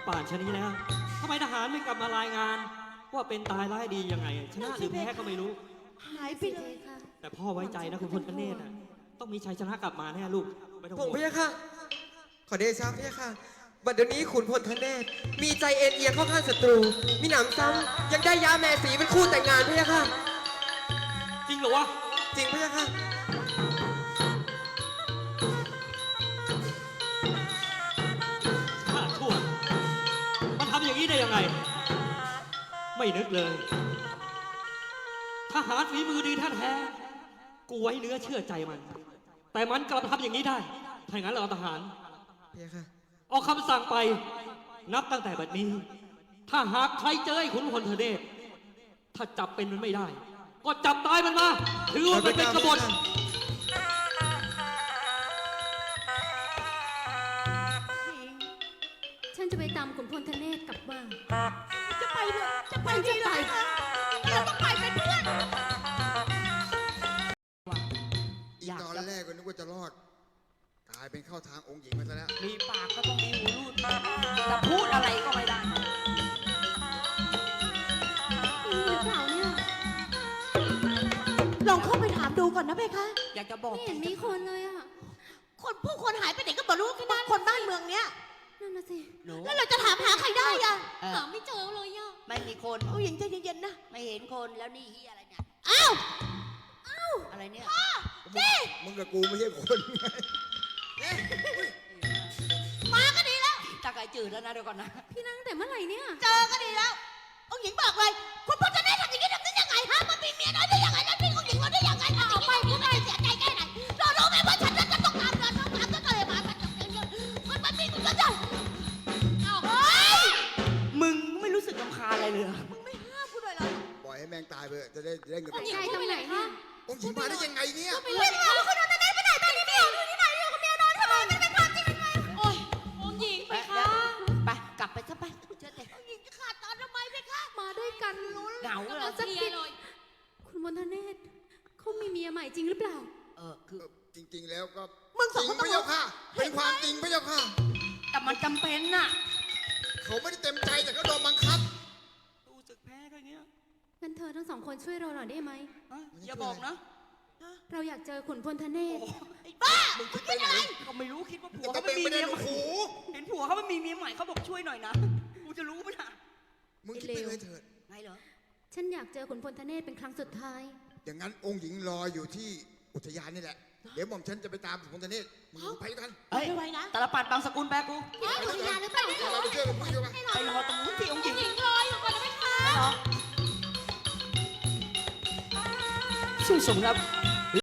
ป่านชะนี้แล้วทำไมทหารไม่กลับมารายงาน ว่าเป็นตายร้ายดียังไงชนะหรือแพ้ก็ไม่รู้หายไปเลยค่ะแต่พ่อไว้ใจนะคุณพลเนตรต้องมีชัยชนะกลับมาแน่ลูกไม่ต้องผมห่วงพี่ค่ะขอเดชะพี่ค่ะบัดเดี๋ยวนี้ขุนพลทเนศมีใจเอ็นเอียงเข้าข้างศัตรูมีหนำซ้ำยังได้ยาแม่สีเป็นคู่แต่งงานพี่ค่ะจริงเหรอวะจริงพี่ค่ะชาติชั่วมันทำอย่างนี้ได้ยังไงไม่นึกเลยทหารฝีมือดีแท้ๆกูไว้เนื้อเชื่อใจมันแต่มันกลับทำอย่างนี้ได้ถ้าอย่างนั้นเราทหารพี่ค่ะออกคำสั่งไปนับตั้งแต่บัดนี้ ถ้าหากใครเจอไอ้ขุนพลเทเดชถ้าจับเป็นมันไม่ได้ก็จับตายมันมาถือว่ามันเป็นกบฏฉันจะไปตามขุนพลทเนศกลับบ้านจะไปเลยจะไปที่ไหนเราต้องไปเป็นเพื่อนอีตอนแรกก็นึกว่าจะรอดกลายเป็นเข้าทางองค์หญิงมาซะแล้วมีปากก็ต้องมีหูรูดแต่พูดอะไรก็ไม่ได้นี่หรือเปล่าเนี่ยลองเข้าไปถามดูก่อนนะเพคะอยากจะบอกไม่เห็นมีคนเลยอ่ะผู้คนหายไปไหนก็บอกรู้แค่นั้นคนบ้านเมืองเนี้ยนั่นน่ะสิแล้วเราจะถามหาใครได้อะหาไม่เจอเลยอ่ะไม่มีคนผู้หญิงใจเย็นๆนะไม่เห็นคนแล้วนี่เฮียอะไรเนี่ยอ้าวอะไรเนี่ยมึงกับกูไม่ใช่คนมาก็ดีแล้วตาไก่จืดแล้วนะเดี๋ยวก่อนนะพี่นั่งแต่เมื่อไหร่เนี่ยเจอก็ดีแล้วองค์หญิงบอกเลยคุณพ่อจะได้ทำอย่างนี้ทำได้ยังไงฮะมันมีเมียน้อยได้ยังไงแล้วทิ้งองค์หญิงมาได้ยังไงเอาไปพูดได้เสียใจแค่ไหนเรารู้ไหมว่าฉันจะต้องตามเดินต้องตามก็เลยมามันมีมันจะเอาเฮ้ยมึงไม่รู้สึกรำคาญอะไรเลยมึงไม่ห้ามกูเลยเหรอปล่อยให้แมงตายไปจะได้เงินตกใจตรงไหนเนี่ยองค์หญิงมาได้ยังไงเนี่ยไม่รู้ว่าคุณนอนได้ไปไหนตอนนี้เมียอยู่ที่ไหนอยู่กับเมียน้อยทำไมมันเป็นความจริงยังไงโอ้ยองค์หญิงไปค่ะไปกลับไปซะไปเชื่อเถอะองค์หญิงจะขาดตอนทำไมไปค่ะมาด้วยกันเหงาเหรอสักทีคุณพลทเนศเขามีเมียใหม่จริงหรือเปล่าคือจริงๆแล้วก็มึงสองคนจริงพระเจ้าค่ะเป็นความจริงพระเจ้าค่ะแต่มันจำเป็นน่ะเขาไม่ได้เต็มใจแต่เขาโดนบังคับรู้สึกแพ้แค่นี้งั้นเธอทั้งสองคนช่วยเราหน่อยได้ไหมอย่าบอกนะเราอยากเจอขุนพลทเนศไอ้บ้ามึงคิดไปไหนก็ไม่รู้คิดว่าผัวเขาไม่มีเมียใหม่เห็นผัวเขาไม่มีเมียใหม่เขาบอกช่วยหน่อยนะกูจะรู้ไหมล่ะมึงคิดไปเลยเถิดไงเหรอฉันอยากเจอขุนพลทเนศเป็นครั้งสุดท้ายอย่างนั้นองค์หญิงรออยู่ที่อุทยานนี่แหละเดี๋ยวหม่อมฉันจะไปตามขุนพลทเนศมึงไปกันไปไว้นะแต่ละปัดบางสกุลแปกูไปอุทยานหรือเปล่าเราไปเจอกับมึงอยู่ปะไปรอตรงนู้นที่องค์หญิงรออยู่ก่อนนะไหมคะช่วยสมรับ